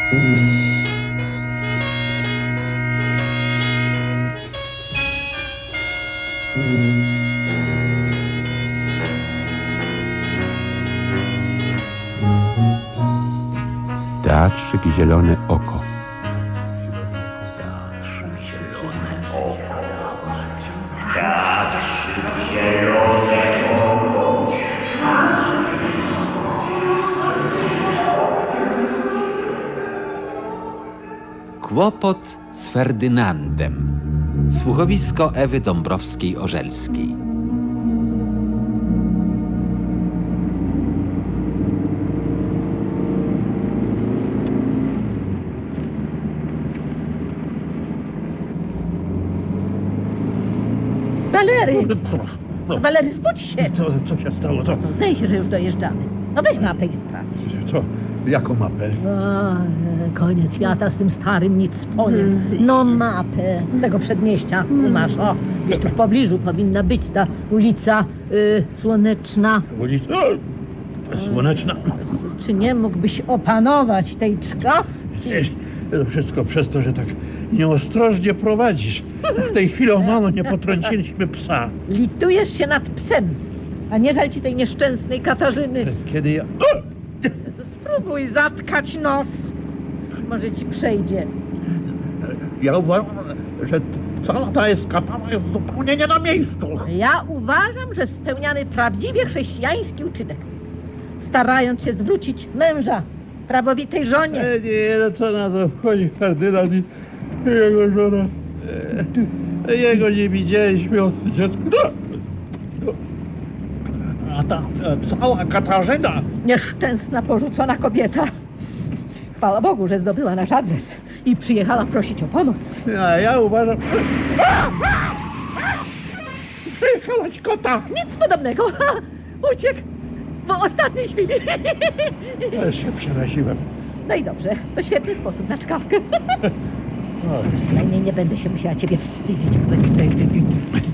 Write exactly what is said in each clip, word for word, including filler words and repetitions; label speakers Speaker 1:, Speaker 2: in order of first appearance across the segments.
Speaker 1: Teatrzyk Zielone Oko.
Speaker 2: Kłopot z Ferdynandem. Słuchowisko Ewy Dąbrowskiej-Orzelskiej.
Speaker 3: Walery!
Speaker 4: Co? No,
Speaker 3: Walery, zbudź się!
Speaker 4: co, co się stało? Co?
Speaker 3: No, zdaje się, że już dojeżdżamy. No weź mapę i sprawdź.
Speaker 4: Co? Jaką mapę?
Speaker 3: O, e, koniec świata z tym starym nic polem. No mapę tego przedmieścia tu masz. O, gdzieś tu w pobliżu powinna być ta ulica y, Słoneczna.
Speaker 4: Ulica Słoneczna.
Speaker 3: Czy nie mógłbyś opanować tej czkawki?
Speaker 4: To wszystko przez to, że tak nieostrożnie prowadzisz. W tej chwili o mało nie potrąciliśmy psa.
Speaker 3: Litujesz się nad psem, a nie żal ci tej nieszczęsnej Katarzyny.
Speaker 4: Kiedy ja...
Speaker 3: Spróbuj zatkać nos. Może ci przejdzie.
Speaker 4: Ja uważam, że cała ta eskapada jest zupełnie nie na miejscu.
Speaker 3: Ja uważam, że spełniany prawdziwie chrześcijański uczynek. Starając się zwrócić męża prawowitej żonie.
Speaker 4: E, nie, no co na to wchodzi Ferdynand i jego żona. E, jego nie widzieliśmy od dziecka. A ta, ta cała Katarzyna.
Speaker 3: Nieszczęsna, porzucona kobieta. Chwała Bogu, że zdobyła nasz adres i przyjechała prosić o pomoc.
Speaker 4: A ja uważam... Wyjechałaś kota!
Speaker 3: Nic podobnego. Uciekł w ostatniej chwili.
Speaker 4: Też się przeraziłem.
Speaker 3: No i dobrze, to świetny sposób na czkawkę.
Speaker 4: Oj,
Speaker 3: Przynajmniej nie będę się musiała ciebie wstydzić wobec tej... tej, tej.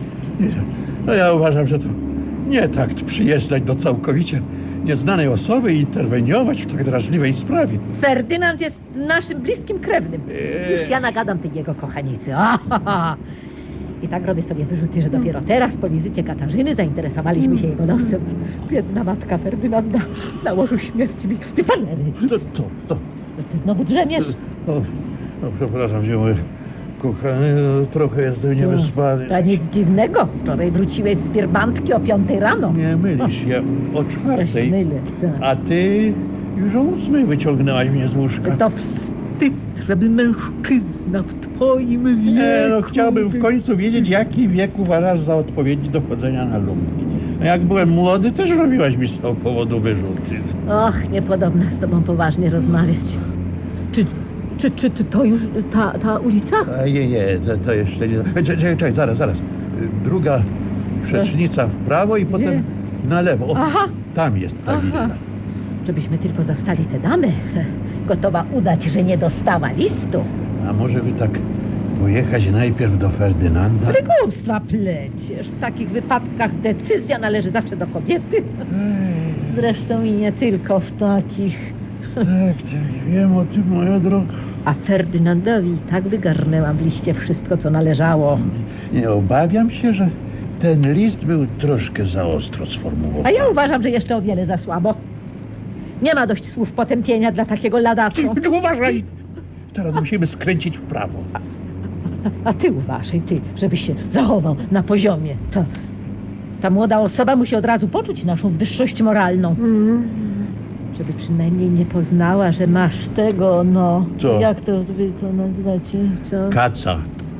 Speaker 4: no ja uważam, że to nie takt przyjeżdżać do całkowicie nieznanej osoby i interweniować w tak drażliwej sprawie.
Speaker 3: Ferdynand jest naszym bliskim krewnym. Już ja nagadam tej jego kochanicy. Ahaha. I tak robię sobie wyrzuty, że dopiero teraz, po wizycie Katarzyny, zainteresowaliśmy się jego losem. Biedna matka Ferdynanda na łożu śmierci mi... Walery,
Speaker 4: No to, to,
Speaker 3: ty znowu drzemiesz?
Speaker 4: o, no przepraszam cię, mój kochany, no, trochę jestem niewyspany.
Speaker 3: A nic dziwnego. Wczoraj wróciłeś z Birbantki o piątej rano.
Speaker 4: Nie mylisz się, o
Speaker 3: Ja się
Speaker 4: czwartej,
Speaker 3: mylę, tak.
Speaker 4: a ty już o ósmej wyciągnęłaś mnie z łóżka.
Speaker 3: To wstyd, żeby mężczyzna w twoim wieku...
Speaker 4: Nie, no chciałbym w końcu wiedzieć, jaki wiek uważasz za odpowiedni do chodzenia na lumpki. No, jak byłem młody, też robiłaś mi z tego powodu wyrzuty.
Speaker 3: Och, niepodobna z tobą poważnie rozmawiać. Czy, czy, czy to już ta, ta ulica?
Speaker 4: A nie, nie, to, to jeszcze nie... Czekaj, czekaj, czekaj, zaraz, zaraz. Druga przecznica w prawo i potem na lewo. O,
Speaker 3: Aha.
Speaker 4: tam jest ta
Speaker 3: Aha.
Speaker 4: willa.
Speaker 3: Żebyśmy tylko zastali tę damę. Gotowa udać, że nie dostała listu.
Speaker 4: A może by tak pojechać najpierw do Ferdynanda?
Speaker 3: Ale głupstwa pleciesz. W takich wypadkach decyzja należy zawsze do kobiety. Zresztą i nie tylko w takich.
Speaker 4: Tak, tak, wiem o tym, moja droga.
Speaker 3: A Ferdynandowi i tak wygarnęłam w liście wszystko, co należało.
Speaker 4: Nie obawiam się, że ten list był troszkę za ostro sformułowany.
Speaker 3: A ja uważam, że jeszcze o wiele za słabo. Nie ma dość słów potępienia dla takiego ladacu.
Speaker 4: Ty, uważaj! Teraz musimy skręcić w prawo.
Speaker 3: A ty uważaj, ty, żebyś się zachował na poziomie. To, ta młoda osoba musi od razu poczuć naszą wyższość moralną. Żeby przynajmniej nie poznała, że masz tego, no...
Speaker 4: Co?
Speaker 3: Jak to wy to nazywacie? Co?
Speaker 4: Kaca.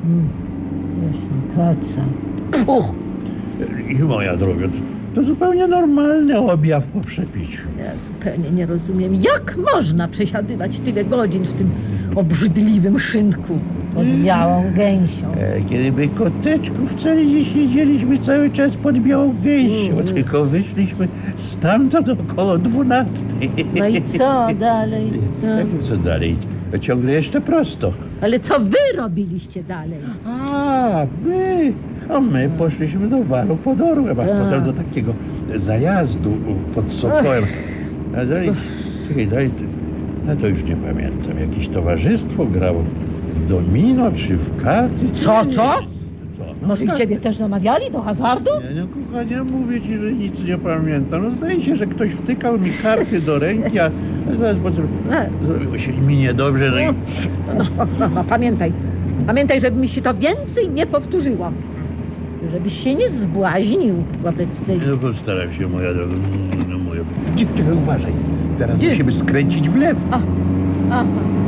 Speaker 3: Właśnie, kaca. Puch!
Speaker 4: I moja droga, to, to zupełnie normalny objaw po przepiciu.
Speaker 3: Ja zupełnie nie rozumiem, jak można przesiadywać tyle godzin w tym obrzydliwym szynku pod białą gęsią.
Speaker 4: E, Kiedy by koteczku wcale nie siedzieliśmy cały czas pod białą gęsią,
Speaker 3: Mm.
Speaker 4: tylko wyszliśmy stamtąd około dwunastej.
Speaker 3: No i co dalej? Co?
Speaker 4: Jak co dalej? Ciągle jeszcze prosto.
Speaker 3: Ale co wy robiliście dalej?
Speaker 4: A, my, a my poszliśmy do baru pod Orłem, a
Speaker 3: Tak.
Speaker 4: potem do takiego zajazdu pod Sokołem. A daj, czekaj, daj, A to już nie pamiętam. Jakieś towarzystwo grało w domino czy w karty.
Speaker 3: Co, co?
Speaker 4: Co?
Speaker 3: Może i ciebie też namawiali do hazardu?
Speaker 4: Nie, no kochanie, mówię ci, że nic nie pamiętam. No zdaje się, że ktoś wtykał mi karty do ręki, a zaraz potem zrobiło się mi niedobrze. No i...
Speaker 3: No, no, no, pamiętaj, pamiętaj, żeby mi się to więcej nie powtórzyło. Żebyś się nie zbłaźnił wobec tej...
Speaker 4: No postaram się, moja droga. No, moja... Czekaj, uważaj. Teraz
Speaker 3: Gdzie?
Speaker 4: musimy skręcić w lewo.
Speaker 3: A, aha.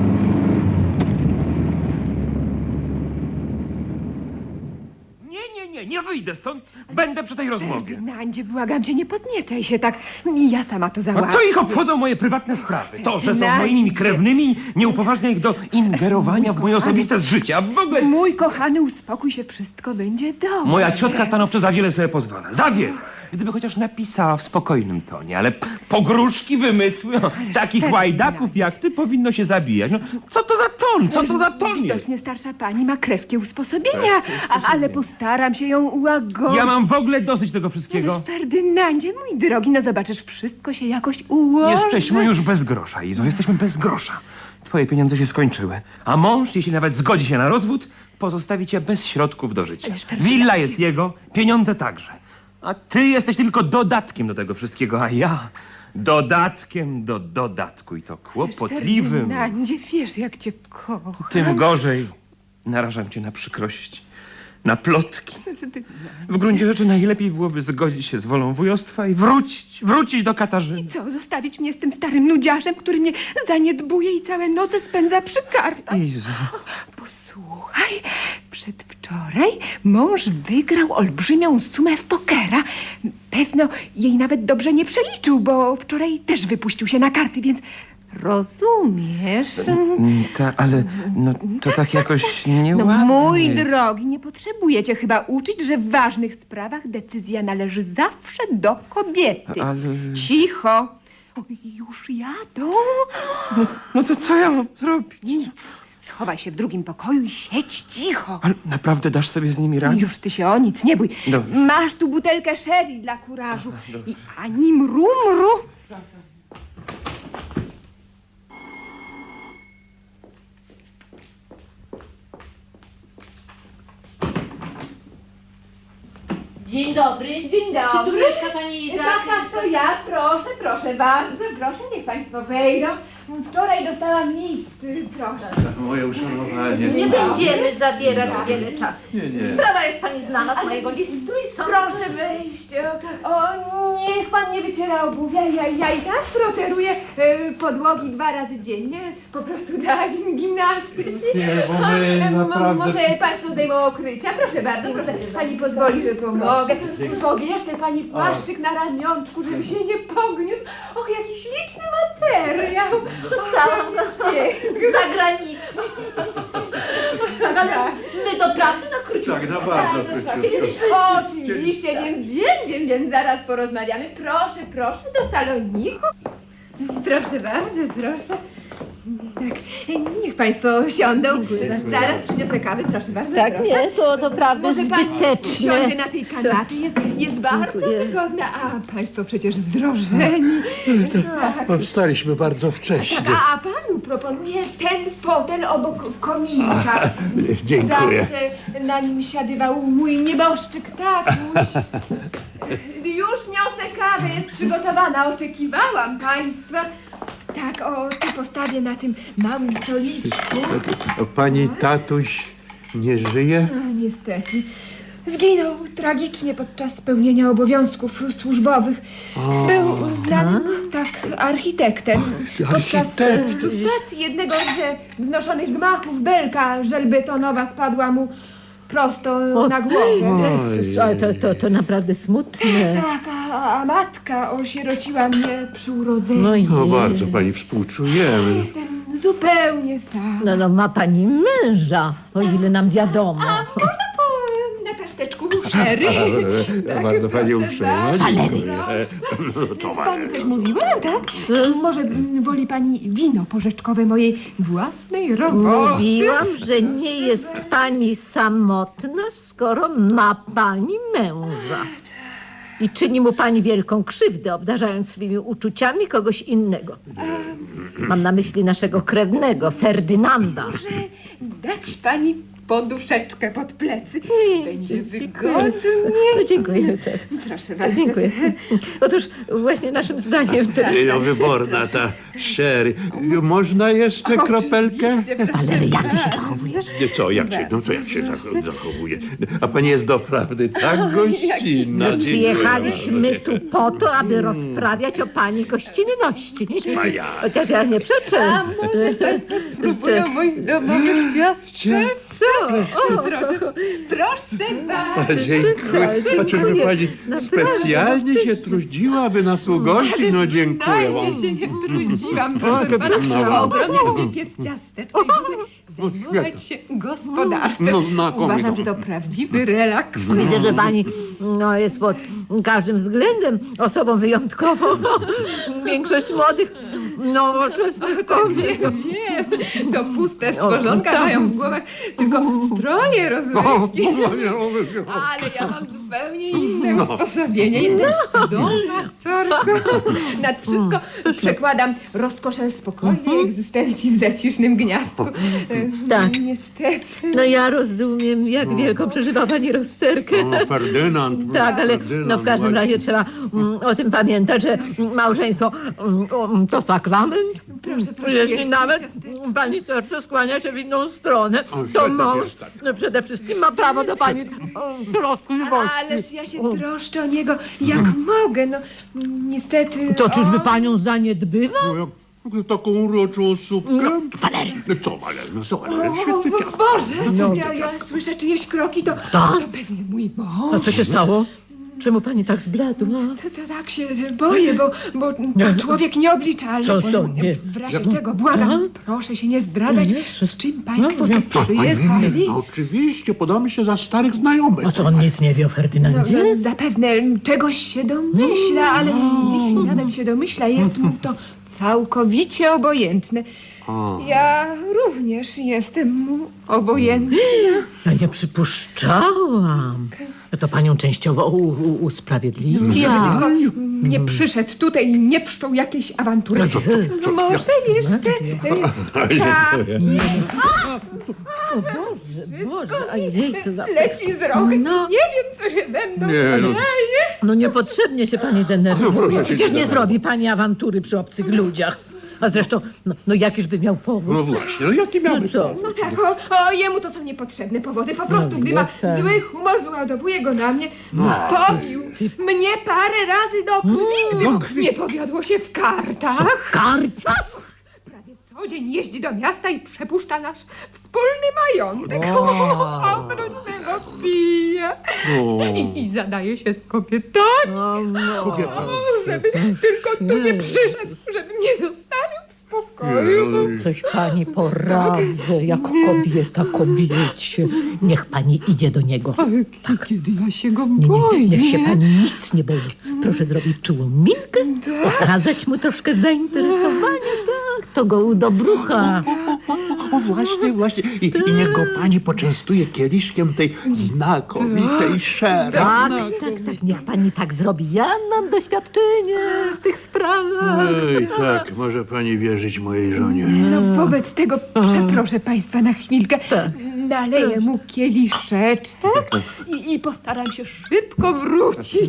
Speaker 5: Nie, nie, nie, nie wyjdę stąd. Będę przy tej rozmowie.
Speaker 6: Ferdynandzie, błagam cię, nie podniecaj się tak. Ja sama to
Speaker 5: A
Speaker 6: załatwię.
Speaker 5: co ich obchodzą moje prywatne sprawy? To, że są
Speaker 6: Ferdynandzie.
Speaker 5: moimi krewnymi, nie upoważnia ich do ingerowania w moje osobiste życie, a w ogóle...
Speaker 6: Mój kochany, uspokój się, wszystko będzie dobrze.
Speaker 5: Moja ciotka stanowczo za wiele sobie pozwala. Za wiele. Gdyby chociaż napisała w spokojnym tonie, ale pogróżki, wymysły, no, takich
Speaker 6: Ferdynand.
Speaker 5: łajdaków jak ty powinno się zabijać. No, co to za ton? Co to za ton jest?
Speaker 6: Widocznie starsza pani ma krewkie usposobienia, a, ale postaram się ją ułagodzić.
Speaker 5: Ja mam w ogóle dosyć tego wszystkiego.
Speaker 6: Ależ Ferdynandzie, mój drogi, no zobaczysz, wszystko się jakoś ułoży.
Speaker 5: Jesteśmy już bez grosza, Izo, jesteśmy bez grosza. Twoje pieniądze się skończyły, a mąż, jeśli nawet zgodzi się na rozwód, pozostawi cię bez środków do życia.
Speaker 6: Ależ Ferdynandzie.
Speaker 5: Willa jest jego, pieniądze także. A ty jesteś tylko dodatkiem do tego wszystkiego, a ja dodatkiem do dodatku i to kłopotliwym.
Speaker 6: Ferdynandzie, wiesz, jak cię kocham.
Speaker 5: Tym gorzej narażam cię na przykrość, na plotki. W gruncie rzeczy najlepiej byłoby zgodzić się z wolą wujostwa i wrócić, wrócić do Katarzyny.
Speaker 6: Co, zostawić mnie z tym starym nudziarzem, który mnie zaniedbuje i całe noce spędza przy kartach?
Speaker 5: Izo,
Speaker 6: Posłuchaj, przedwczoraj mąż wygrał olbrzymią sumę w pokera. Pewno jej nawet dobrze nie przeliczył, bo wczoraj też wypuścił się na karty, więc rozumiesz?
Speaker 5: mm, ta, ale no, to tak jakoś
Speaker 6: No,
Speaker 5: nieładnie.
Speaker 6: mój drogi, nie potrzebujecie chyba uczyć, że w ważnych sprawach decyzja należy zawsze do kobiety.
Speaker 5: Ale...
Speaker 6: Cicho. Oj, już jadą.
Speaker 5: No to co ja mam zrobić?
Speaker 6: Nic. Schowaj się w drugim pokoju i siedź cicho.
Speaker 5: Ale naprawdę dasz sobie z nimi radę?
Speaker 6: Już ty się o nic nie bój.
Speaker 5: Dobrze.
Speaker 6: Masz tu butelkę sherry dla kurażu. I ani mru, mru.
Speaker 3: Dzień dobry.
Speaker 6: Dzień dobry.
Speaker 3: Czy tu mieszka pani Iza?
Speaker 6: Tak, tak, to ja. Proszę, proszę bardzo. Proszę, niech państwo wejdą. Wczoraj dostałam list. Proszę.
Speaker 4: Moje uszanowanie.
Speaker 3: Nie będziemy zabierać wiele czasu.
Speaker 4: Nie, nie.
Speaker 3: Sprawa jest pani znana z mojego listu i sądzę...
Speaker 6: Proszę wejść. O, niech pan nie wyciera obuwia. Ja, ja i tak proteruję e, podłogi dwa razy dziennie. Po prostu dla gimnastyki.
Speaker 4: Nie, bo my
Speaker 6: A, m-
Speaker 4: naprawdę-
Speaker 6: Może państwo zdejmą okrycia? Proszę bardzo, proszę. Pani pozwoli, że pomogę. Powieszę pani płaszczyk na ramionczku, żeby się nie pogniósł. Och, jaki śliczny materiał.
Speaker 3: Dostałam go z zagranicy. Tak, ale my doprawdy na króciutko.
Speaker 4: Tak, na bardzo króciutko.
Speaker 6: Oczywiście, wiem, wiem, wiem, wiem, zaraz porozmawiamy. Proszę, proszę, do saloniku. Proszę bardzo, proszę. Tak, niech państwo siądą. Zaraz przyniosę kawy, proszę bardzo.
Speaker 3: Tak,
Speaker 6: proszę.
Speaker 3: nie, to doprawdy
Speaker 6: Może pani
Speaker 3: zbyteczne.
Speaker 6: usiądzie na tej kanapie, jest, jest bardzo
Speaker 3: Dziękuję.
Speaker 6: wygodna. A państwo przecież zdrożeni. Tak.
Speaker 4: Powstaliśmy bardzo wcześnie.
Speaker 6: Tak, a, a panu proponuję ten fotel obok kominka.
Speaker 4: Dziękuję.
Speaker 6: Zawsze na nim siadywał mój nieboszczyk tatuś. Już niosę kawę, jest przygotowana, oczekiwałam państwa. Tak, o, tu postawię na tym małym stoliczku.
Speaker 4: Pani tatuś nie żyje?
Speaker 6: A, niestety. Zginął tragicznie podczas spełnienia obowiązków służbowych. Był znanym tak architektem. Podczas e, lustracji jednego ze wznoszonych gmachów belka żelbetonowa spadła mu prosto na głowę.
Speaker 3: Jezus, ale to, to, to naprawdę smutne.
Speaker 6: Tak, a, a matka osierociła mnie przy urodzeniu.
Speaker 3: No i
Speaker 4: No bardzo pani współczujemy.
Speaker 6: Jestem zupełnie sama.
Speaker 3: no, no ma pani męża, o ile nam wiadomo.
Speaker 6: Może po na pasteczku sherry? Tak,
Speaker 4: Bardzo pani
Speaker 6: proszę
Speaker 4: uprzejma.
Speaker 6: bardzo.
Speaker 4: Dziękuję.
Speaker 6: Pani coś mówiła, tak? Może mm, woli pani wino porzeczkowe mojej własnej roboty?
Speaker 3: Mówiłam, że nie jest pani samotna, skoro ma pani męża. i czyni mu pani wielką krzywdę, obdarzając swymi uczuciami kogoś innego. Mam na myśli naszego krewnego, Ferdynanda.
Speaker 6: Może dać pani poduszeczkę pod plecy. Będzie wygodnie.
Speaker 3: No, dziękuję. Tak.
Speaker 6: Proszę bardzo.
Speaker 3: Dziękuję. Otóż właśnie naszym zdaniem... To...
Speaker 4: No, wyborna ta sherry. Można jeszcze kropelkę?
Speaker 6: Oczywiście, proszę
Speaker 3: Ale jak ty się
Speaker 6: bardzo.
Speaker 3: zachowujesz?
Speaker 4: Nie, co, jak się, no co jak się zach- zachowuje? A pani jest doprawdy tak gościnna.
Speaker 3: My przyjechaliśmy tu po to, aby rozprawiać o pani gościnności.
Speaker 4: Wspaniale.
Speaker 3: Chociaż ja nie przeczę.
Speaker 6: A może państwo spróbują moich domowych ciastek?
Speaker 3: Co? O,
Speaker 6: Proszę, proszę bardzo.
Speaker 4: Dziękuję. A czyżby pani specjalnie się trudziła, aby nas ugościć? No dziękuję wam.
Speaker 6: Najmniej się nie trudziłam, proszę pana.
Speaker 4: no.
Speaker 6: Ogromnie lubię piec ciasteczka i lubię zajmować się gospodarstwem.
Speaker 4: No, znakomito.
Speaker 6: Uważam, że to prawdziwy relaks.
Speaker 3: Widzę, że pani no, jest pod każdym względem osobą wyjątkową. Większość młodych, nowoczesnych kobiet.
Speaker 6: Wiem, to puste stworzonka mają w głowach tylko stroje rozrywki. Ale ja mam zupełnie inne usposobienie. Jestem domaczarką. Nad wszystko przekładam rozkoszę spokojnej egzystencji w zacisznym gniazdku.
Speaker 3: Tak.
Speaker 6: Niestety.
Speaker 3: No ja rozumiem, jak wielką przeżywa pani rozterkę.
Speaker 4: No, Ferdynand.
Speaker 3: Tak, ale
Speaker 4: Ferdynand,
Speaker 3: no w każdym
Speaker 4: właśnie.
Speaker 3: razie trzeba mm, o tym pamiętać, że małżeństwo mm, o, to sakrament.
Speaker 6: Proszę, proszę,
Speaker 3: Jeśli
Speaker 6: jeszcze
Speaker 3: nawet
Speaker 6: ciasteczko.
Speaker 3: pani serce skłania się w inną stronę,
Speaker 4: O,
Speaker 3: to
Speaker 4: świetnie,
Speaker 3: mąż
Speaker 4: świetnie.
Speaker 3: no, przede wszystkim ma prawo do pani o, troskliwości.
Speaker 6: Ależ ja się troszczę o niego jak mogę. No niestety.
Speaker 3: To czyżby
Speaker 6: on-
Speaker 3: panią zaniedbywa?
Speaker 4: No, jak taką uroczą supkę.
Speaker 3: Walery.
Speaker 4: No co, Walery, no co, Walery,
Speaker 6: O,
Speaker 4: świetny
Speaker 6: o,
Speaker 4: ciasto.
Speaker 6: Boże,
Speaker 3: No.
Speaker 6: ja, ja słyszę czyjeś kroki, to,
Speaker 3: Tak?
Speaker 6: to pewnie mój
Speaker 3: A
Speaker 6: mąż.
Speaker 3: co się stało? Czemu pani tak zbladła?
Speaker 6: To, to tak się boję, bo, bo to człowiek nieobliczalny.
Speaker 3: Co, co, nie?
Speaker 6: W razie czego, błagam, proszę się nie zdradzać,
Speaker 3: Jezus.
Speaker 6: z czym państwo
Speaker 3: No,
Speaker 6: tu
Speaker 4: A, pani,
Speaker 6: przyjechali.
Speaker 4: no, oczywiście, podamy się za starych znajomych.
Speaker 3: A co, on nic nie wie o
Speaker 6: No,
Speaker 3: Ferdynandzie?
Speaker 6: no, zapewne czegoś się domyśla, ale jeśli nawet się domyśla, jest mu to całkowicie obojętne.
Speaker 4: A.
Speaker 6: Ja również jestem mu obojętna.
Speaker 3: Ja nie przypuszczałam. No to panią częściowo u, u, usprawiedliwia.
Speaker 6: Tylko nie przyszedł tutaj i nie wszczął jakiejś awantury.
Speaker 4: No co, co, co,
Speaker 6: Może jeszcze... y, Tak,
Speaker 3: O Boże, Boże, a jej, co za...
Speaker 6: leci z rąk.
Speaker 3: No.
Speaker 6: Nie wiem, co się ze mną
Speaker 4: Nie, no.
Speaker 6: dzieje.
Speaker 3: No niepotrzebnie się pani
Speaker 4: No,
Speaker 3: denerwuje.
Speaker 4: proszę cię,
Speaker 3: Przecież nie
Speaker 4: nie
Speaker 3: zrobi pani awantury przy obcych ludziach. A zresztą, no, no jakiś by miał powód.
Speaker 4: No właśnie, no jaki miałby
Speaker 3: No co?
Speaker 6: No tak, o, o, jemu to są niepotrzebne powody. Po prostu, gdy ma
Speaker 3: tak.
Speaker 6: zły humor, wyładowuje go na mnie. Pobił mnie parę razy do krwi, gdy mu nie powiodło się w kartach.
Speaker 3: Karcia?
Speaker 6: Prawie co dzień jeździ do miasta i przepuszcza nasz wspólny majątek.
Speaker 3: O.
Speaker 6: Oprócz tego pije.
Speaker 4: O.
Speaker 6: I, I zadaje się z kobietami.
Speaker 3: No, no.
Speaker 4: Kobieta.
Speaker 6: Żeby tylko tu nie przyszedł, żeby mnie zostawił w spokoju.
Speaker 3: Coś pani poradzę, jak kobieta kobiecie. Niech pani idzie do niego.
Speaker 6: Tak. Kiedy ja się go
Speaker 3: Nie,
Speaker 6: boję.
Speaker 3: nie, niech się pani nic nie boi. Proszę zrobić czułą minkę, okazać mu troszkę zainteresowania, tak, to go udobrucha.
Speaker 4: O, właśnie, właśnie. I, I niech go pani poczęstuje kieliszkiem tej znakomitej sherry.
Speaker 3: Tak, tak, tak, niech pani tak zrobi. Ja mam doświadczenie w tych sprawach.
Speaker 4: Ej, tak, może pani wierzyć mojej żonie.
Speaker 6: No wobec tego przeproszę państwa na chwilkę. Naleję mu kieliszeczek i, i postaram się szybko wrócić.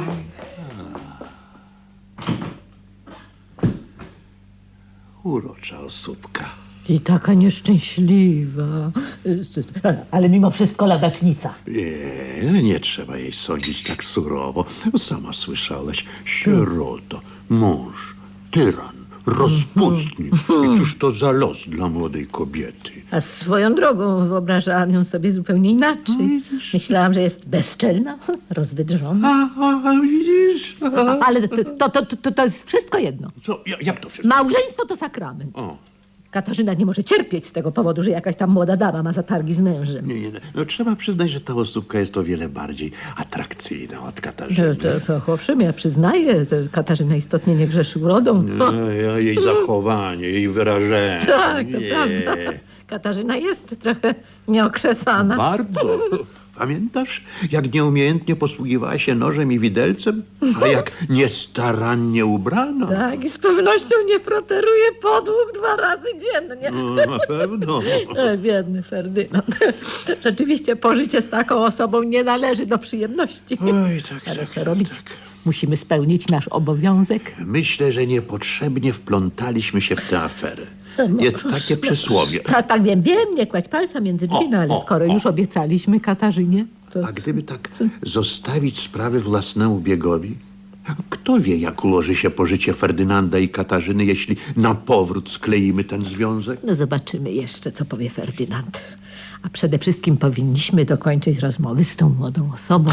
Speaker 4: Urocza osóbka.
Speaker 3: I taka nieszczęśliwa. Ale mimo wszystko ladacznica.
Speaker 4: Nie, nie trzeba jej sądzić tak surowo. Sama słyszałeś, sierota, mąż, tyran, rozpustnik. I cóż to za los dla młodej kobiety?
Speaker 3: A swoją drogą wyobrażałam ją sobie zupełnie inaczej. Myślałam, że jest bezczelna, rozwydrzona.
Speaker 4: A, a widzisz? A,
Speaker 3: Ale to, to, to, to, to jest wszystko jedno.
Speaker 4: co, ja- jak to wszystko?
Speaker 3: Małżeństwo to sakrament.
Speaker 4: O,
Speaker 3: Katarzyna nie może cierpieć z tego powodu, że jakaś tam młoda dama ma zatargi z mężem.
Speaker 4: nie, nie, nie. No, trzeba przyznać, że ta osóbka jest o wiele bardziej atrakcyjna od
Speaker 3: To,
Speaker 4: Katarzyny.
Speaker 3: to, to, owszem, ja przyznaję, to Katarzyna istotnie nie grzeszy urodą.
Speaker 4: No, ja- jej zachowanie, jej wyrażenie.
Speaker 3: Tak, to
Speaker 4: Nie.
Speaker 3: prawda. Katarzyna jest trochę nieokrzesana.
Speaker 4: Bardzo. Pamiętasz, jak nieumiejętnie posługiwała się nożem i widelcem, a jak niestarannie ubrano?
Speaker 3: Tak, i z pewnością nie froteruje podłóg dwa razy dziennie.
Speaker 4: No, na pewno.
Speaker 3: E, biedny Ferdynand. Rzeczywiście pożycie z taką osobą nie należy do przyjemności.
Speaker 4: Oj, tak,
Speaker 3: Ale
Speaker 4: tak,
Speaker 3: co
Speaker 4: tak,
Speaker 3: robić?
Speaker 4: tak.
Speaker 3: Musimy spełnić nasz obowiązek.
Speaker 4: Myślę, że niepotrzebnie wplątaliśmy się w tę aferę. Jest takie przysłowie.
Speaker 3: Tak, tak, wiem, wiem, nie kładź palca między drzwi,
Speaker 4: O,
Speaker 3: no ale
Speaker 4: o,
Speaker 3: skoro
Speaker 4: o.
Speaker 3: już obiecaliśmy Katarzynie, to...
Speaker 4: A gdyby tak zostawić sprawy własnemu biegowi? Kto wie, jak ułoży się pożycie Ferdynanda i Katarzyny, jeśli na powrót skleimy ten związek?
Speaker 3: No zobaczymy jeszcze, co powie Ferdynand. A przede wszystkim powinniśmy dokończyć rozmowy z tą młodą osobą.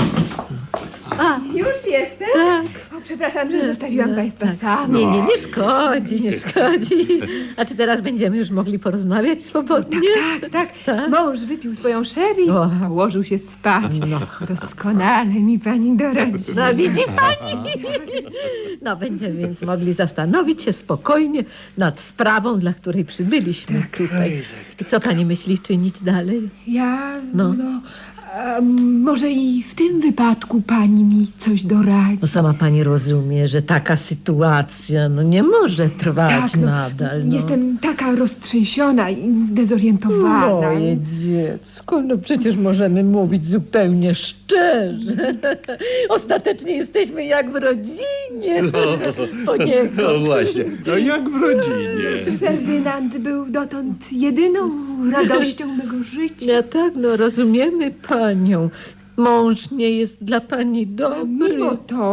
Speaker 6: A, już jestem?
Speaker 3: Tak.
Speaker 6: O, przepraszam, że zostawiłam państwa samych.
Speaker 3: Nie, nie, nie szkodzi, nie szkodzi. A czy teraz będziemy już mogli porozmawiać swobodnie?
Speaker 6: Tak, tak.
Speaker 3: Tak?
Speaker 6: Mąż wypił swoją sherry,
Speaker 3: O.
Speaker 6: a ułożył się spać.
Speaker 3: No.
Speaker 6: Doskonale mi pani doradzi.
Speaker 3: No widzi pani? No będziemy więc mogli zastanowić się spokojnie nad sprawą, dla której przybyliśmy tutaj. I co pani myśli czynić dalej?
Speaker 6: Ja,
Speaker 3: No.
Speaker 6: no, a może i w tym wypadku pani mi coś doradzi.
Speaker 3: No sama pani rozumie, że taka sytuacja no nie może trwać
Speaker 6: no,
Speaker 3: nadal. No.
Speaker 6: Jestem taka roztrzęsiona i zdezorientowana.
Speaker 3: Moje dziecko, no przecież możemy mówić zupełnie szczerze. Ostatecznie jesteśmy jak w rodzinie. O niego.
Speaker 4: No właśnie, no jak w rodzinie.
Speaker 6: Ferdynand był dotąd jedyną radością mego życia.
Speaker 3: Ja tak, no rozumiemy panią. Mąż nie jest dla pani dobry.
Speaker 6: Mimo to,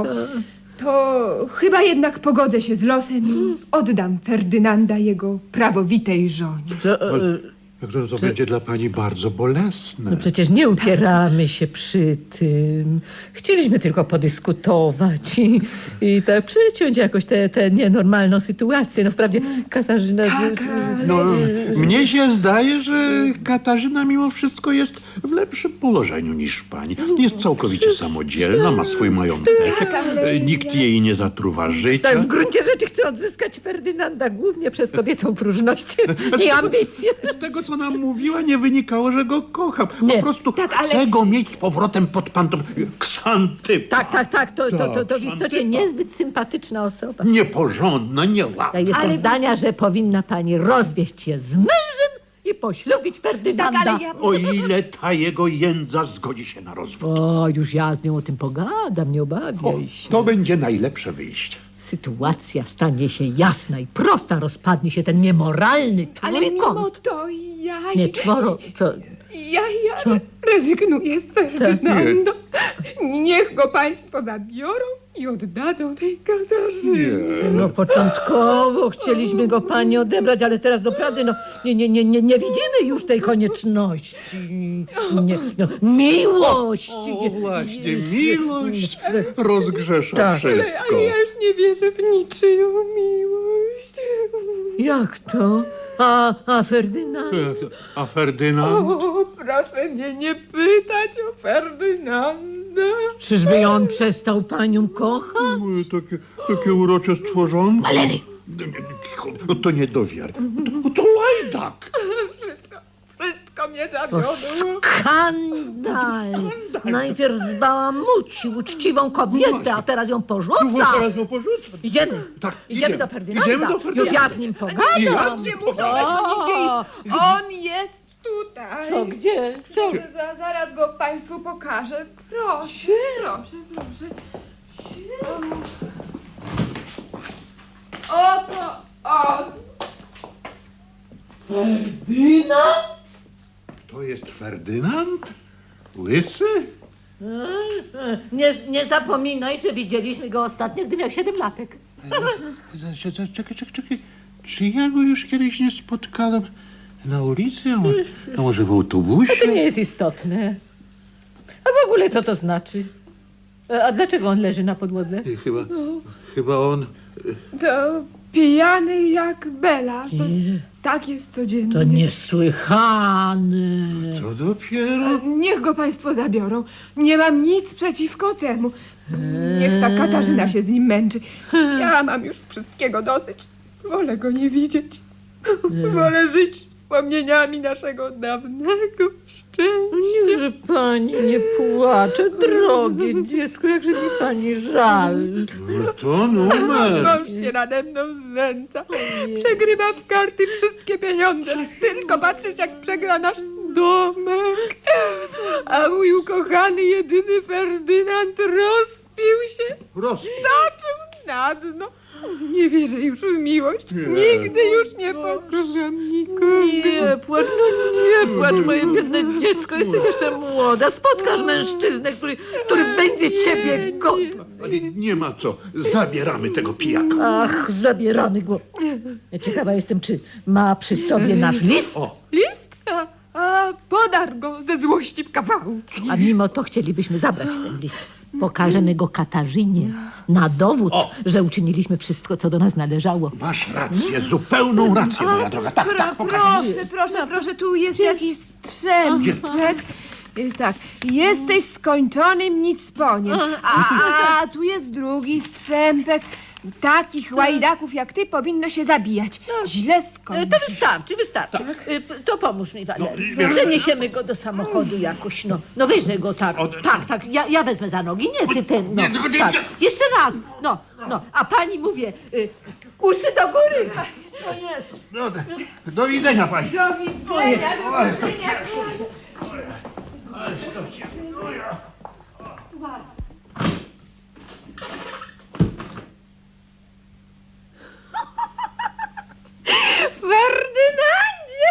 Speaker 6: to chyba jednak pogodzę się z losem i oddam Ferdynanda jego prawowitej żonie.
Speaker 3: To, e,
Speaker 4: To, to będzie dla pani bardzo bolesne.
Speaker 3: No przecież nie upieramy się przy tym. Chcieliśmy tylko podyskutować i, i tak przeciąć jakoś tę tę nienormalną sytuację. No wprawdzie Katarzyna...
Speaker 6: Tak, ale-
Speaker 4: No, mnie się zdaje, że Katarzyna mimo wszystko jest w lepszym położeniu niż pani. Jest całkowicie samodzielna, ma swój majątek,
Speaker 6: ale-
Speaker 4: nikt jej nie zatruwa życia.
Speaker 3: Tak, w gruncie rzeczy chcę odzyskać Ferdynanda głównie przez kobiecą próżność i ambicje.
Speaker 4: Z tego, co nam mówiła, nie wynikało, że go kocham. Po
Speaker 3: Nie.
Speaker 4: prostu
Speaker 6: Tak, ale-
Speaker 4: chcę go mieć z powrotem pod pantów. Ksantypa.
Speaker 3: Tak, tak, tak, to, to, to, to w
Speaker 4: Tak,
Speaker 3: istocie niezbyt sympatyczna osoba.
Speaker 4: Nieporządna, nieładna.
Speaker 3: Ja jestem
Speaker 6: Ale-
Speaker 3: zdania, że powinna pani rozwieść się z mężem i poślubić Ferdynanda.
Speaker 6: Tak, ale ja...
Speaker 4: O ile ta jego jędza zgodzi się na rozwód.
Speaker 3: O, już ja z nią o tym pogadam, nie
Speaker 4: O,
Speaker 3: obawiaj się.
Speaker 4: to będzie najlepsze wyjście.
Speaker 3: Sytuacja stanie się jasna i prosta, rozpadnie się ten niemoralny
Speaker 6: Ale mimo
Speaker 3: trójkąt.
Speaker 6: to ja...
Speaker 3: Nie, czworo, co?
Speaker 6: Ja, ja rezygnuję z Ferdynanda. Niech go państwo zabiorą i oddadzą tej Katarzynie.
Speaker 3: No początkowo chcieliśmy go pani odebrać, ale teraz doprawdy no nie, nie, nie, nie, nie widzimy już tej konieczności. Nie, no, miłość.
Speaker 4: O, właśnie, miłość rozgrzesza
Speaker 3: Tak.
Speaker 6: Ale
Speaker 4: wszystko.
Speaker 6: ja już nie wierzę w niczyją miłość.
Speaker 3: Jak to? A, a Ferdynand?
Speaker 4: A Ferdynand?
Speaker 6: O, proszę mnie nie pytać o Ferdynanda.
Speaker 3: Czyżby on przestał panią kochać?
Speaker 4: Moje Takie, takie urocze stworzonko.
Speaker 3: Walery!
Speaker 4: No to nie do wiary. To, to łajdak.
Speaker 6: Wszystko, wszystko mnie
Speaker 3: To
Speaker 6: zawiodło.
Speaker 3: skandal! Najpierw zbałamucił uczciwą kobietę, a teraz ją
Speaker 4: No,
Speaker 3: porzuca.
Speaker 4: teraz ją porzuca.
Speaker 3: Idziemy.
Speaker 4: Tak,
Speaker 3: Idziemy
Speaker 4: idziemy.
Speaker 3: do Ferdynanda.
Speaker 4: Idziemy do Ferdynanda.
Speaker 3: Już ja z nim pogadam.
Speaker 4: Ja
Speaker 6: Nie muszę tego nigdzie iść. On jest tutaj.
Speaker 3: Co, gdzie? Co?
Speaker 6: Za, zaraz go państwu pokażę. Proszę, proszę, proszę. Oto on.
Speaker 4: To jest Ferdynand? Łysy?
Speaker 3: Nie, nie zapominaj, że widzieliśmy go ostatnio, gdy miał siedem latek.
Speaker 4: Czekaj, czekaj, czekaj. Czy ja go już kiedyś nie spotkałem na ulicy? A mo- A może w autobusie?
Speaker 3: To nie jest istotne. A w ogóle co to znaczy? A dlaczego on leży na podłodze?
Speaker 4: I Chyba, chyba on...
Speaker 6: To pijany jak Bela. To,
Speaker 3: Nie.
Speaker 6: tak jest codziennie.
Speaker 3: To niesłychane.
Speaker 4: Co dopiero?
Speaker 6: Niech go państwo zabiorą. Nie mam nic przeciwko temu. Niech ta Katarzyna się z nim męczy. Ja mam już wszystkiego dosyć. Wolę go nie widzieć. Wolę żyć z wspomnieniami naszego dawnego szczęścia.
Speaker 3: Niechże pani nie płacze, drogie dziecko, jakże mi pani żal.
Speaker 4: No to numer.
Speaker 6: Mąż się nade mną znęca. Przegrywa w karty wszystkie pieniądze. Tylko patrzeć, jak przegra nasz domek. A mój ukochany, jedyny Ferdynand rozpił się.
Speaker 4: Roz...
Speaker 6: Zaczął na dno. Nie wierzę już w miłość. Nigdy już nie pokocham nikogo.
Speaker 3: Nie płacz, no nie płacz, moje biedne dziecko, jesteś jeszcze młoda. Spotkasz mężczyznę, który, który będzie ciebie godny.
Speaker 4: Ale nie ma co. Zabieramy tego pijaka.
Speaker 3: Ach, zabieramy go. Ja ciekawa jestem, czy ma przy sobie nasz list,
Speaker 4: O,
Speaker 6: List? A, a podar go ze złości w kawałki.
Speaker 3: a mimo to chcielibyśmy zabrać ten list. Pokażemy go Katarzynie na dowód,
Speaker 4: O!
Speaker 3: że uczyniliśmy wszystko, co do nas należało.
Speaker 4: masz rację, zupełną rację, moja droga. Tak, tak, pokażę.
Speaker 6: Proszę, proszę, proszę, tu jest jakiś strzępek. Jest tak, jesteś skończonym nicponiem. A, a tu jest drugi strzępek. Takich łajdaków jak ty powinno się zabijać. Źle skończysz.
Speaker 3: To wystarczy, wystarczy. Y, p- To pomóż mi, Walerii. Przeniesiemy go do samochodu jakoś, no. No weźże go tak,
Speaker 4: Od-
Speaker 3: tak, tak. Ja, ja wezmę za nogi, nie ty ten, no.
Speaker 4: Nie, tylko nie-
Speaker 3: Tak. Jeszcze raz, no, no. A pani mówię, y, uszy do góry. No Jezus.
Speaker 4: No, do, do widzenia, pani.
Speaker 6: Do widzenia, do widzenia. Ferdynandzie!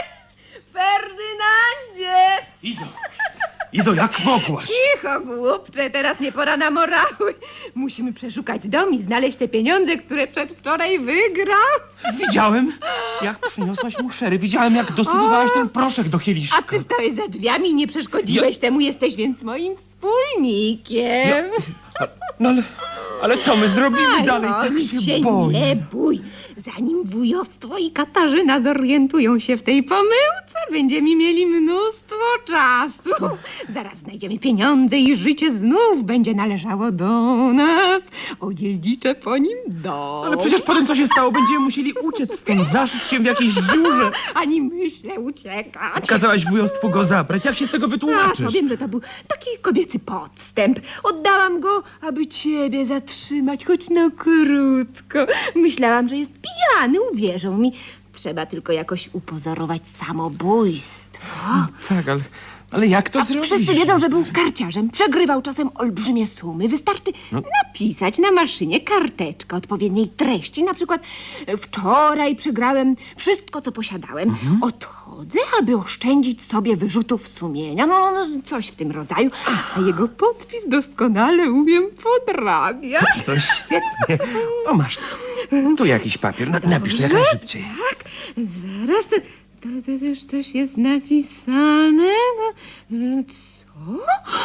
Speaker 6: Ferdynandzie!
Speaker 5: Izo! Izo, jak mogłaś?
Speaker 6: Cicho, głupcze, teraz nie pora na morały. Musimy przeszukać dom i znaleźć te pieniądze, które przedwczoraj wygrał.
Speaker 5: Widziałem, jak przyniosłaś mu szery. Widziałem, jak dosypywałaś ten proszek do kieliszka.
Speaker 6: A ty stałeś za drzwiami i nie przeszkodziłeś temu, jesteś więc moim wspólnikiem.
Speaker 5: No ale, ale co my zrobimy
Speaker 6: Aj,
Speaker 5: dalej?
Speaker 6: o,
Speaker 5: Tak
Speaker 6: nic
Speaker 5: się
Speaker 6: się
Speaker 5: boję.
Speaker 6: nie bój. Zanim wujostwo i Katarzyna zorientują się w tej pomyłce, będziemy mieli mnóstwo czasu. Zaraz znajdziemy pieniądze i życie znów będzie należało do nas. Odziedziczę po nim dom.
Speaker 5: Ale przecież potem co się stało? Będziemy musieli uciec stąd, zaszyć się w jakiejś dziurze.
Speaker 6: Ani myślę uciekać.
Speaker 5: Kazałaś wujostwu go zabrać. Jak się z tego
Speaker 6: A,
Speaker 5: wytłumaczysz?
Speaker 6: powiem, że to był taki kobiecy podstęp. Oddałam go, aby ciebie zatrzymać, choć na krótko. Myślałam, że jest pijany, uwierzą mi. Trzeba tylko jakoś upozorować samobójstwo.
Speaker 5: Tak, ale, ale jak to zrobić?
Speaker 6: Wszyscy wiedzą, że był karciarzem. Przegrywał czasem olbrzymie sumy. Wystarczy napisać na maszynie karteczkę odpowiedniej treści. Na przykład e, wczoraj przegrałem wszystko, co posiadałem. Odchodzę, aby oszczędzić sobie wyrzutów sumienia. No, no, coś w tym rodzaju. A jego podpis doskonale umiem podrabiać.
Speaker 5: To świetnie. O, masz. Tu jakiś papier. Na, napisz to jak najszybciej.
Speaker 6: Tak, zaraz to, to, to też coś jest napisane. No, no, co?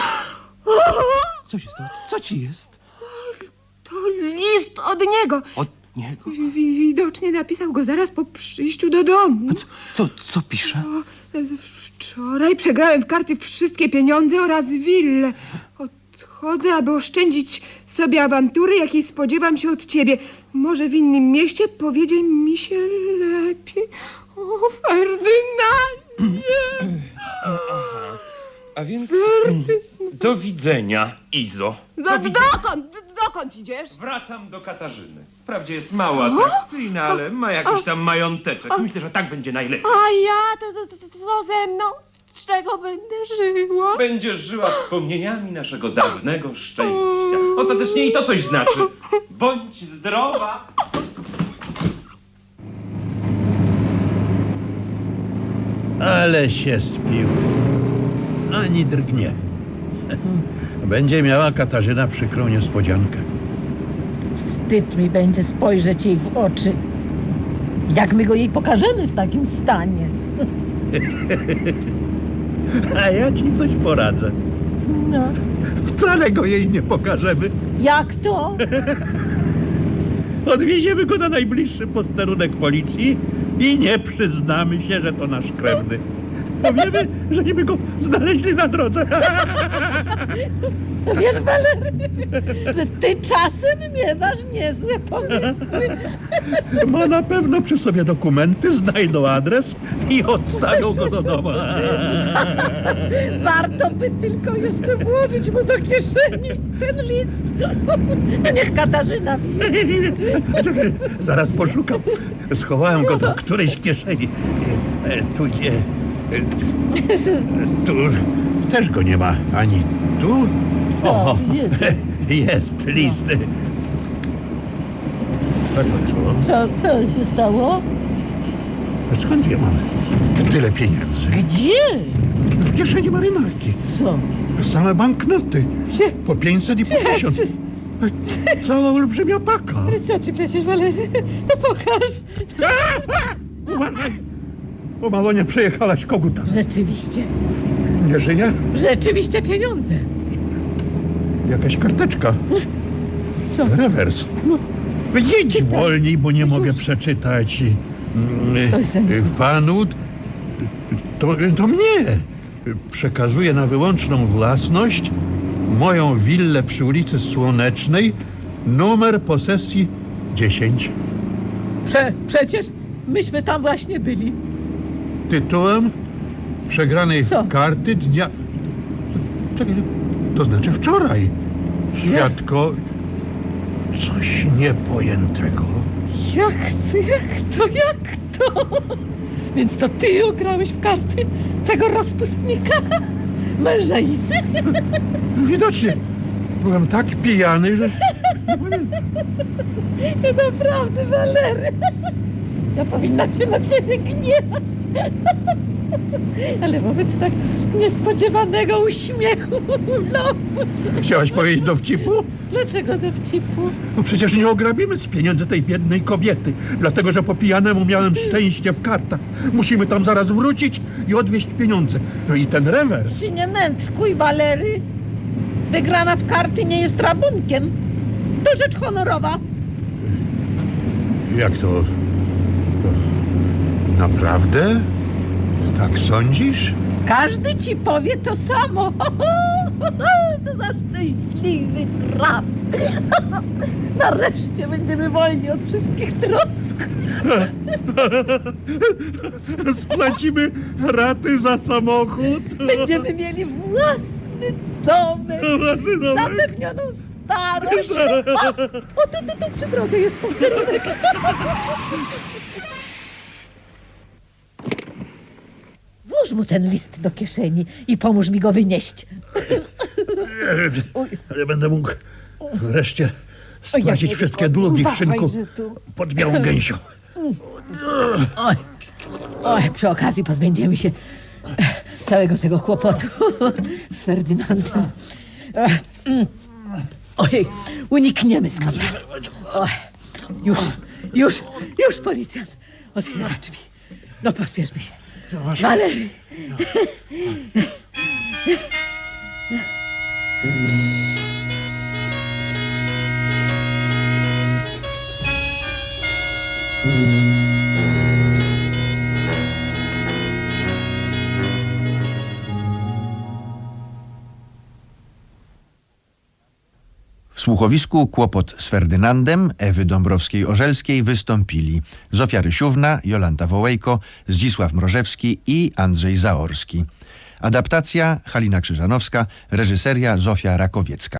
Speaker 6: O,
Speaker 5: Co się stało? Co ci jest?
Speaker 6: to list od niego.
Speaker 5: Od niego?
Speaker 6: Wi- wi- Widocznie napisał go zaraz po przyjściu do domu.
Speaker 5: A co, co, co pisze?
Speaker 6: O, e, Wczoraj przegrałem w karty wszystkie pieniądze oraz willę. Odchodzę, aby oszczędzić sobie awantury, jakiej spodziewam się od ciebie. Może w innym mieście powiedzie mi się lepiej. O, Ferdynandzie!
Speaker 5: A więc mm, do widzenia, Izo.
Speaker 6: Do, dokąd? Dokąd idziesz?
Speaker 5: Wracam do Katarzyny. Wprawdzie jest mało atrakcyjna, ale ma jakiś tam mająteczek. Myślę, że tak będzie najlepiej.
Speaker 6: A ja? To, to, to, to co ze mną? Z czego będę żyła?
Speaker 5: Będziesz żyła wspomnieniami naszego dawnego szczęścia. Ostatecznie i to coś znaczy. Bądź zdrowa.
Speaker 7: Ale się spił. Ani drgnie. Będzie miała Katarzyna przykrą niespodziankę.
Speaker 3: Wstyd mi będzie spojrzeć jej w oczy. Jak my go jej pokażemy w takim stanie?
Speaker 7: A ja ci coś poradzę.
Speaker 3: No,
Speaker 7: Wcale go jej nie pokażemy.
Speaker 3: jak to?
Speaker 7: Odwieziemy go na najbliższy posterunek policji i nie przyznamy się, że to nasz krewny. Powiemy, żeśmy go znaleźli na drodze.
Speaker 3: Wiesz, Walery, że ty czasem miewasz niezłe pomysły.
Speaker 7: Ma na pewno przy sobie dokumenty, znajdą adres i odstawią go do domu.
Speaker 3: Warto by tylko jeszcze włożyć mu do kieszeni ten list. No niech Katarzyna wie.
Speaker 7: Czekaj, zaraz poszukam. Schowałem go do którejś kieszeni. E, e, Tu nie. e, Tu też go nie ma. Ani tu. O, jest list. A to co?
Speaker 3: Co, co się stało?
Speaker 7: Skąd ja mam tyle pieniędzy?
Speaker 3: Gdzie?
Speaker 7: W kieszeni marynarki.
Speaker 3: Co?
Speaker 7: Same banknoty.
Speaker 3: Gdzie?
Speaker 7: Po pięćset i po tysiąc.
Speaker 3: Jezus.
Speaker 7: Cała olbrzymia paka.
Speaker 3: Co ty przecież, Walery? No pokaż.
Speaker 7: Uważaj! O mało nie przejechalaś koguta.
Speaker 3: Rzeczywiście,
Speaker 7: Nie żyje?
Speaker 3: rzeczywiście pieniądze.
Speaker 7: Jakaś karteczka.
Speaker 3: Co?
Speaker 7: Rewers.
Speaker 3: No.
Speaker 7: Jedź wolniej, bo nie mogę przeczytać. Mm,
Speaker 3: Oj, synu.
Speaker 7: Panu to, to mnie przekazuje na wyłączną własność moją willę przy ulicy Słonecznej, numer posesji dziesięć.
Speaker 3: Prze, przecież myśmy tam właśnie byli.
Speaker 7: Tytułem przegranej
Speaker 3: Co?
Speaker 7: karty dnia... Czekaj, to znaczy wczoraj. Świadko... Coś niepojętego.
Speaker 3: Jak to, jak to, jak to? Więc to ty ograłeś w karty tego rozpustnika? Męża Isy?
Speaker 7: Widocznie byłem tak pijany, że nie pamiętam.
Speaker 3: Naprawdę, Walery. Ja powinna się na ciebie gniewać. Ale wobec tak niespodziewanego uśmiechu losu.
Speaker 7: Chciałaś powiedzieć dowcipu?
Speaker 3: Dlaczego dowcipu?
Speaker 7: No przecież nie ograbimy z pieniędzy tej biednej kobiety, dlatego że po pijanemu miałem szczęście w kartach. Musimy tam zaraz wrócić i odwieźć pieniądze. No i ten rewers.
Speaker 3: Ty nie mędrkuj, Walery. Wygrana w karty nie jest rabunkiem. To rzecz honorowa.
Speaker 7: Jak to? to naprawdę? Tak sądzisz?
Speaker 3: Każdy ci powie to samo. To za szczęśliwy traf. Nareszcie będziemy wolni od wszystkich trosk.
Speaker 7: Spłacimy raty za samochód.
Speaker 3: Będziemy mieli własny domek,
Speaker 7: Własny domek.
Speaker 3: zapewnioną starość. O, o tu, tu, tu przy drodze jest posterunek. Włóż mu ten list do kieszeni i pomóż mi go wynieść.
Speaker 7: Ale będę mógł wreszcie
Speaker 3: Oj, ja
Speaker 7: spłacić
Speaker 3: nie
Speaker 7: wszystkie
Speaker 3: wiem,
Speaker 7: długi w
Speaker 3: uważaj,
Speaker 7: szynku
Speaker 3: że tu-
Speaker 7: pod białą gęsią.
Speaker 3: Oj, oj, przy okazji pozbędziemy się całego tego kłopotu z Ferdynandem. Ojej, unikniemy skandalu. Oj, już, już, już policjant otwiera drzwi. No pospieszmy się. Walery.
Speaker 8: W słuchowisku Kłopot z Ferdynandem Ewy Dąbrowskiej-Orzelskiej wystąpili Zofia Rysiówna, Jolanta Wołejko, Zdzisław Mrożewski i Andrzej Zaorski. Adaptacja Halina Krzyżanowska, reżyseria Zofia Rakowiecka.